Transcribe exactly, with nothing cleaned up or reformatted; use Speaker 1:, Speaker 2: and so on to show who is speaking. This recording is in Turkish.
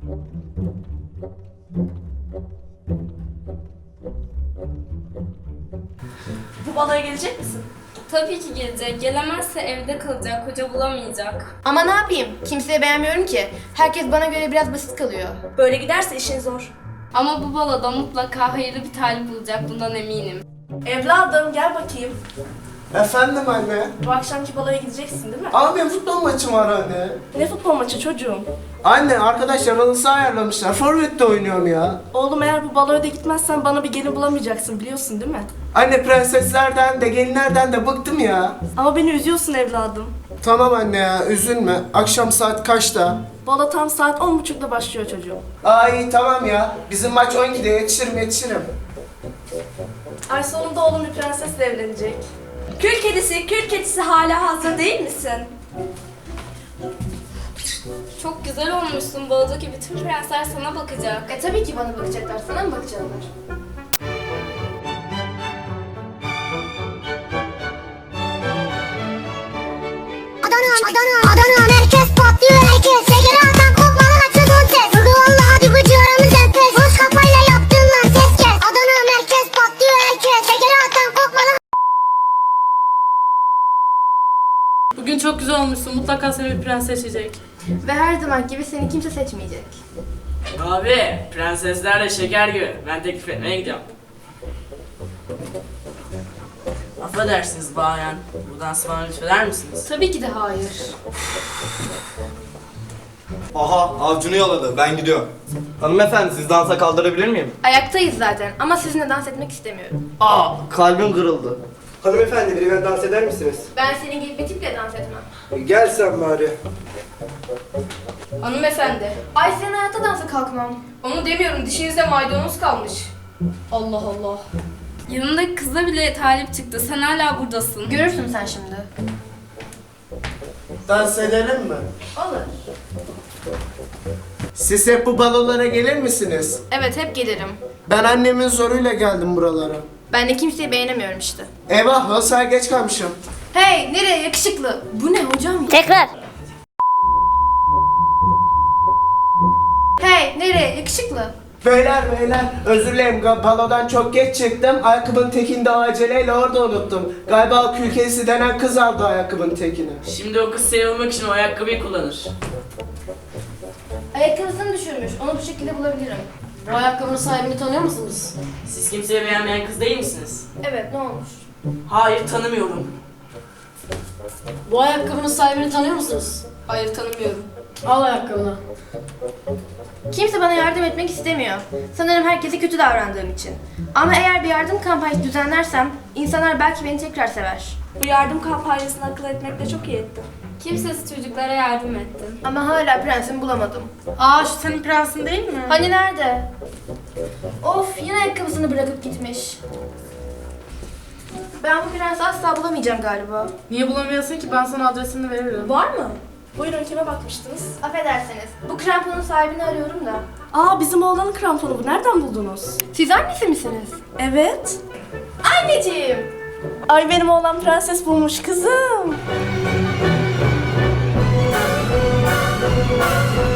Speaker 1: Bu baloya gelecek misin?
Speaker 2: Tabii ki gelecek. Gelemezse evde kalacak, koca bulamayacak.
Speaker 3: Ama ne yapayım? Kimseyi beğenmiyorum ki. Herkes bana göre biraz basit kalıyor.
Speaker 1: Böyle giderse işin zor.
Speaker 2: Ama bu baloda mutlaka hayırlı bir talip bulacak, bundan eminim.
Speaker 1: Evladım gel bakayım.
Speaker 4: Efendim anne.
Speaker 1: Bu akşamki baloya gideceksin değil mi?
Speaker 4: Abi benim futbol maçım var anne.
Speaker 1: Ne futbol maçı çocuğum?
Speaker 4: Anne arkadaşlar halı saha ayarlamışlar. Forvet'te oynuyorum ya.
Speaker 1: Oğlum eğer bu baloya da gitmezsen bana bir gelin bulamayacaksın biliyorsun değil mi?
Speaker 4: Anne prenseslerden de gelinlerden de bıktım ya.
Speaker 1: Ama beni üzüyorsun evladım.
Speaker 4: Tamam anne ya üzülme. Akşam saat kaçta?
Speaker 1: Balo tam saat on buçukta başlıyor çocuğum.
Speaker 4: Ay tamam ya. Bizim maç on ikide yetişirim yetişirim.
Speaker 1: Ay sonunda oğlum bir prensesle evlenecek. Kül kedisi, kül kedisi hala hazır değil misin?
Speaker 2: Çok güzel olmuşsun. Balodaki bütün prensler sana bakacak.
Speaker 3: E tabii ki bana bakacaklar. Sana mı bakacaklar?
Speaker 5: Adana, Adana, Adana merkez patlıyor herkes. Şeker atan kopmalı açıldı ses. Vurdu valla hadi bıcı aramız enfes. Boş kafayla yaptın lan ses kes. Adana merkez patlıyor herkes. Şeker atan kopmalı.
Speaker 6: Bugün çok güzel olmuşsun. Mutlaka seni bir prens seçecek.
Speaker 3: Ve her zaman gibi seni kimse seçmeyecek.
Speaker 7: Abi, prenseslerle şeker gibi. Ben teklif etmeye gidiyorum. Affedersiniz bayan. Bu dansı bana lütfeder misiniz?
Speaker 3: Tabii ki de hayır.
Speaker 8: Aha avcunu yaladı ben gidiyorum. Hanımefendi siz dansa kaldırabilir miyim?
Speaker 3: Ayaktayız zaten ama sizinle dans etmek istemiyorum.
Speaker 8: Aa kalbim kırıldı. Hanımefendi benimle dans eder misiniz?
Speaker 3: Ben senin gibi bir tiple dans etmem.
Speaker 8: Gel sen bari.
Speaker 3: Hanımefendi. Ay senin hayatta dansa kalkmam. Onu demiyorum, dişinizde maydanoz kalmış. Allah Allah.
Speaker 2: Yanındaki kıza bile talip çıktı. Sen hala buradasın.
Speaker 3: Görürsün sen şimdi.
Speaker 4: Dans edelim mi?
Speaker 3: Olur.
Speaker 4: Siz hep bu balolara gelir misiniz?
Speaker 3: Evet, hep gelirim.
Speaker 4: Ben annemin zoruyla geldim buralara.
Speaker 3: Ben de kimseyi beğenemiyorum işte.
Speaker 4: Eyvah halı sahaya geç kalmışım.
Speaker 3: Hey, nereye yakışıklı? Bu ne hocam ya?
Speaker 5: Tekrar.
Speaker 3: Hey, nereye yakışıklı?
Speaker 4: Beyler beyler özür dilerim Ga- balodan çok geç çıktım. Ayakkabının tekini de aceleyle orada unuttum. Galiba o kül kedisi denen kız aldı ayakkabının tekini.
Speaker 7: Şimdi o kız sevilmek için o ayakkabıyı kullanır.
Speaker 3: Ayakkabısını düşürmüş. Onu bu şekilde bulabilirim.
Speaker 6: Bu ayakkabının sahibini tanıyor musunuz?
Speaker 7: Siz kimseyi beğenmeyen kız değil misiniz?
Speaker 3: Evet, ne olmuş?
Speaker 7: Hayır, tanımıyorum.
Speaker 6: Bu ayakkabının sahibini tanıyor musunuz?
Speaker 3: Hayır, tanımıyorum.
Speaker 6: Al ayakkabını.
Speaker 3: Kimse bana yardım etmek istemiyor. Sanırım herkese kötü davrandığım için. Ama eğer bir yardım kampanyası düzenlersem insanlar belki beni tekrar sever.
Speaker 1: Bu yardım kampanyasını akıl etmekle çok iyi ettin.
Speaker 2: Kimsesiz çocuklara yardım ettin.
Speaker 3: Ama hala prensimi bulamadım.
Speaker 6: Aa şu senin prensin değil mi?
Speaker 3: Hani nerede? Of, yine ayakkabısını bırakıp gitmiş. Ben bu prensi asla bulamayacağım galiba.
Speaker 6: Niye bulamıyorsun ki? Ben sana adresini veririm.
Speaker 1: Var mı? Buyurun kime bakmıştınız?
Speaker 3: Affedersiniz, bu kramponun sahibini arıyorum da.
Speaker 1: Aa bizim oğlanın kramponu bu. Nereden buldunuz?
Speaker 3: Siz annesi misiniz?
Speaker 1: Evet.
Speaker 3: Anneciğim!
Speaker 1: Ay benim oğlan prenses bulmuş kızım.